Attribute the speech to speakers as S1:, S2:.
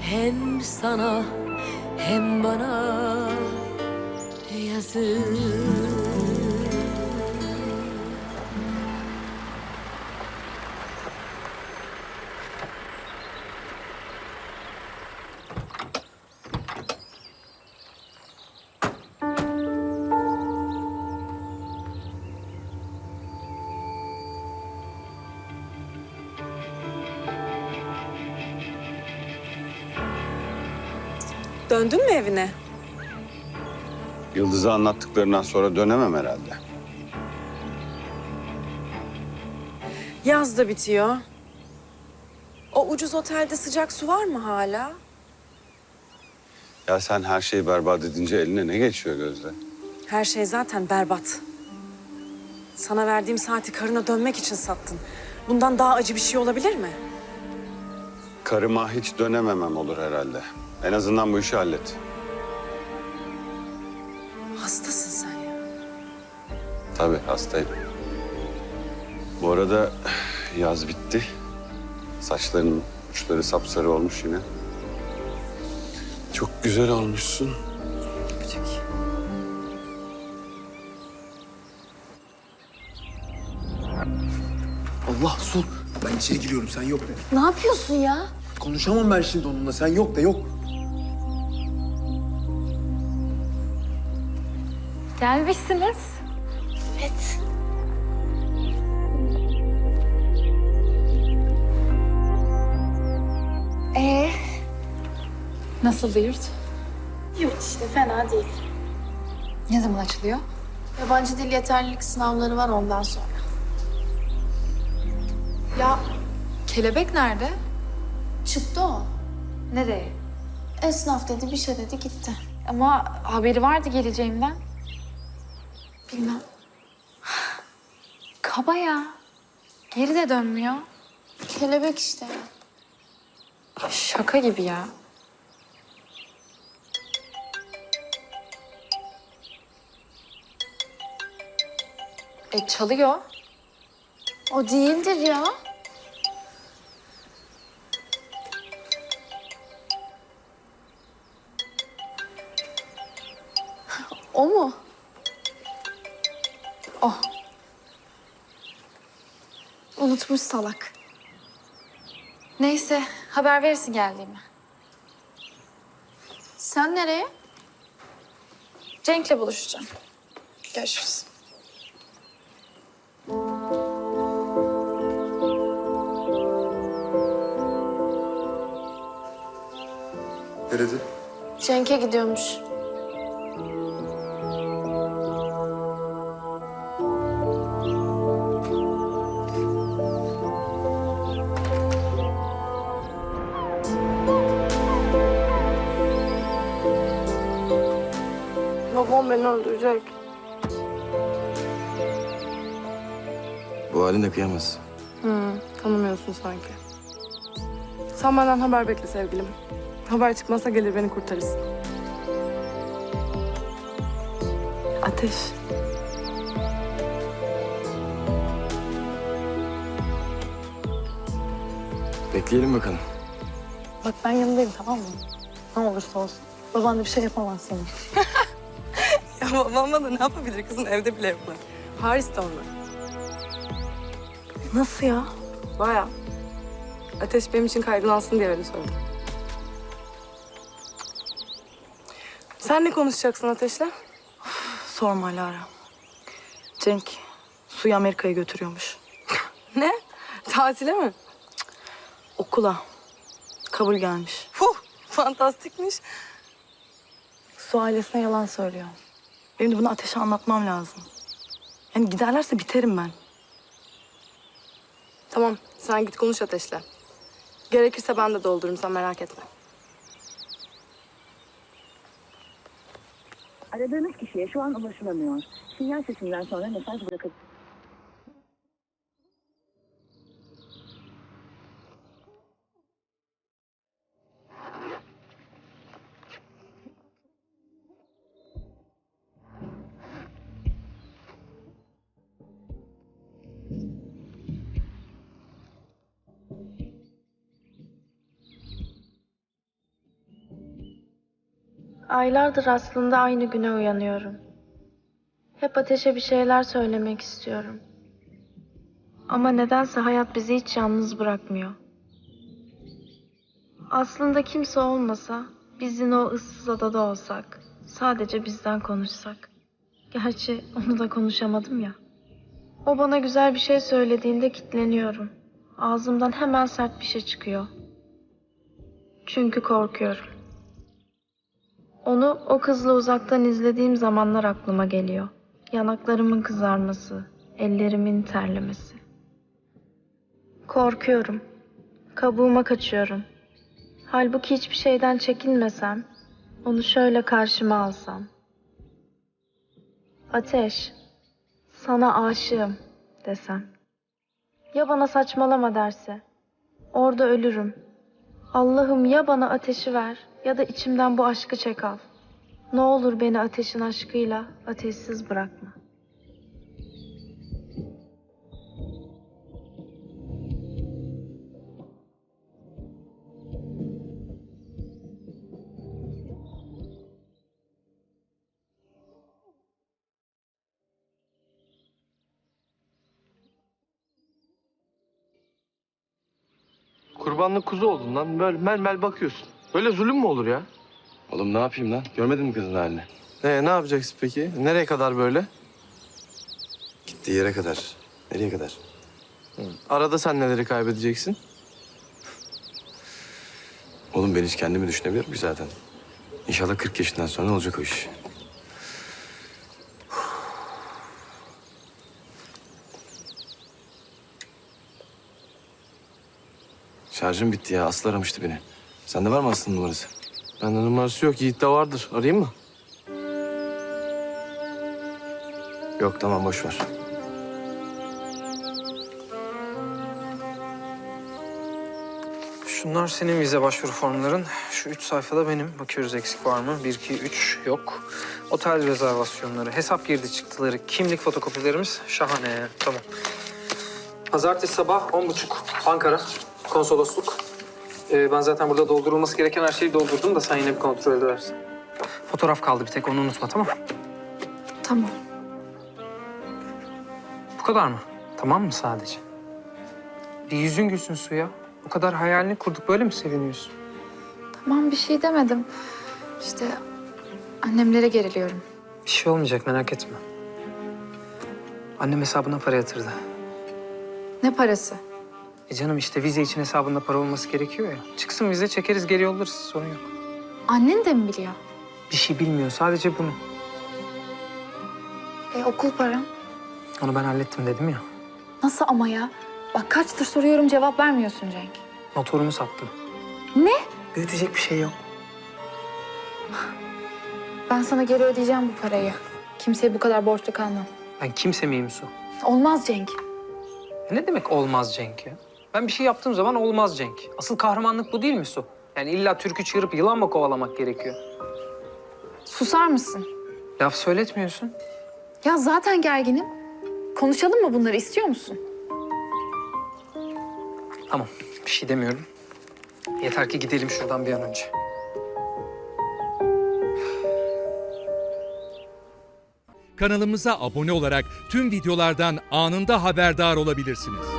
S1: Hem sana hem bana yazık.
S2: Döndün mü evine?
S3: Yıldız'a anlattıklarından sonra dönemem herhalde.
S2: Yaz da bitiyor. O ucuz otelde sıcak su var mı hala?
S3: Ya sen her şeyi berbat edince eline ne geçiyor Gözde?
S2: Her şey zaten berbat. Sana verdiğim saati karına dönmek için sattın. Bundan daha acı bir şey olabilir mi?
S3: Karıma hiç dönememem olur herhalde. En azından bu işi hallet.
S2: Hastasın sen ya.
S3: Tabii hastayım. Bu arada yaz bitti. Saçlarının uçları sapsarı olmuş yine. Çok güzel olmuşsun.
S2: Küçük.
S4: Allah Sul. Ben içeri giriyorum, sen yok de.
S5: Ne yapıyorsun ya?
S4: Konuşamam ben şimdi onunla, sen yok de, yok.
S5: Gelmişsiniz. Evet. Ee,
S6: Nasıl yurt?
S5: yurt işte fena değil.
S6: Ne zaman açılıyor?
S5: Yabancı dil yeterlilik sınavları var ondan sonra.
S6: Ya kelebek nerede?
S5: Çıktı o.
S6: Nereye?
S5: Esnaf dedi bir şey dedi gitti.
S6: Ama haberi vardı geleceğimden.
S5: Bilmem.
S6: Kaba ya. Geri de dönmüyor.
S5: Kelebek işte.
S6: Şaka gibi ya. Çalıyor.
S5: O değildir ya. O mu?
S6: O.
S5: Unutmuş salak.
S6: Neyse haber verirsin geldiğimi.
S5: Sen nereye?
S6: Cenk'le buluşacağım. Görüşürüz.
S4: Nerede?
S5: Cenk'e gidiyormuş. Babam beni öldürecek.
S4: Bu halinde kıyamaz.
S2: Tanımıyorsun sanki. Sen benden haber bekle sevgilim. Haber çıkmazsa gelir beni kurtarırsın. Ateş.
S4: Bekleyelim bakalım.
S7: Bak ben yanındayım, tamam mı? Ne olursa olsun. Baban da bir şey yapamaz sana.
S2: Ya babam da ne yapabilir kızım? Evde bile yapma. Paris'te onlar.
S7: Nasıl ya?
S2: Baya. Ateş benim için kaygılansın diye öyle söyledim. Sen ne konuşacaksın Ateş'le?
S7: Sorma Lara. Cenk Su'yu Amerika'ya götürüyormuş.
S2: Ne? Tatile mi?
S7: Okula. Kabul gelmiş.
S2: Fantastikmiş.
S7: Su ailesine yalan söylüyor. Benim de bunu Ateş'e anlatmam lazım. Yani giderlerse biterim ben.
S2: Tamam, sen git konuş Ateş'le. Gerekirse ben de doldururum, sen merak etme.
S8: Aradığınız kişiye şu an ulaşılamıyor. Sinyal sesinden sonra mesaj bırakın.
S5: Aylardır aslında aynı güne uyanıyorum. Hep Ateş'e bir şeyler söylemek istiyorum. Ama nedense hayat bizi hiç yalnız bırakmıyor. Aslında kimse olmasa, biz yine o ıssız adada olsak, sadece bizden konuşsak. Gerçi onu da konuşamadım ya. O bana güzel bir şey söylediğinde kilitleniyorum. Ağzımdan hemen sert bir şey çıkıyor. Çünkü korkuyorum. Onu o kızla uzaktan izlediğim zamanlar aklıma geliyor. Yanaklarımın kızarması, ellerimin terlemesi. Korkuyorum. Kabuğuma kaçıyorum. Halbuki hiçbir şeyden çekinmesem, onu şöyle karşıma alsam. Ateş, sana aşığım desem. Ya bana saçmalama derse? Orada ölürüm. Allah'ım ya bana ateşi ver ya da içimden bu aşkı çek al. Ne olur beni ateşin aşkıyla ateşsiz bırakma.
S9: Kurbanlık kuzu oldun lan. Böyle mel bakıyorsun. Böyle zulüm mü olur ya?
S4: Oğlum ne yapayım lan? Görmedin mi kızın halini?
S9: Ne yapacaksın peki? Nereye kadar böyle?
S4: Gittiği yere kadar. Nereye kadar?
S9: Arada sen neleri kaybedeceksin?
S4: Oğlum ben hiç kendimi düşünebiliyorum ki zaten. İnşallah 40 yaşından sonra olacak o iş. Şarjım bitti ya. Aslı aramıştı beni. Sende var mı Aslı'nın numarası?
S9: Bende numarası yok. Yiğit'te vardır. Arayayım mı?
S4: Yok tamam boş ver.
S10: Şunlar senin vize başvuru formların. Şu 3 sayfada benim. Bakıyoruz eksik var mı? 1, 2, 3 yok. Otel rezervasyonları, hesap girdi çıktıları, kimlik fotokopilerimiz şahane. Tamam. Pazartesi sabah 10.30 Ankara konsolosluk. Ben zaten burada doldurulması gereken her şeyi doldurdum da sen yine bir kontrol edersin. Fotoğraf kaldı bir tek, onu unutma, tamam mı?
S6: Tamam.
S10: Bu kadar mı? Tamam mı sadece? Bir yüzün gülsün Suya. O kadar hayalini kurduk, böyle mi seviniyorsun?
S6: Tamam, bir şey demedim. İşte annemlere geriliyorum.
S10: Bir şey olmayacak, merak etme. Annem hesabına para yatırdı.
S6: Ne parası?
S10: Canım işte vize için hesabında para olması gerekiyor ya. Çıksın vize, çekeriz, geri yollarız, sorun yok.
S6: Annen de mi biliyor?
S10: Bir şey bilmiyor, sadece bunu.
S6: Okul param?
S10: Onu ben hallettim dedim ya.
S6: Nasıl ama ya? Bak kaçtır soruyorum, cevap vermiyorsun Cenk.
S10: Motorumu sattım.
S6: Ne?
S10: Büyütecek bir şey yok.
S6: Ben sana geri ödeyeceğim bu parayı. Kimseye bu kadar borçlu kalmam.
S10: Ben kimse miyim Su?
S6: Olmaz Cenk.
S10: Ne demek olmaz Cenk ya? Ben bir şey yaptığım zaman olmaz Cenk. Asıl kahramanlık bu değil mi Su? Yani illa türkü çığırıp yılan mı kovalamak gerekiyor?
S6: Susar mısın?
S10: Laf söyletmiyorsun.
S6: Ya zaten gerginim. Konuşalım mı bunları, istiyor musun?
S10: Tamam, bir şey demiyorum. Yeter ki gidelim şuradan bir an önce.
S11: Kanalımıza abone olarak tüm videolardan anında haberdar olabilirsiniz.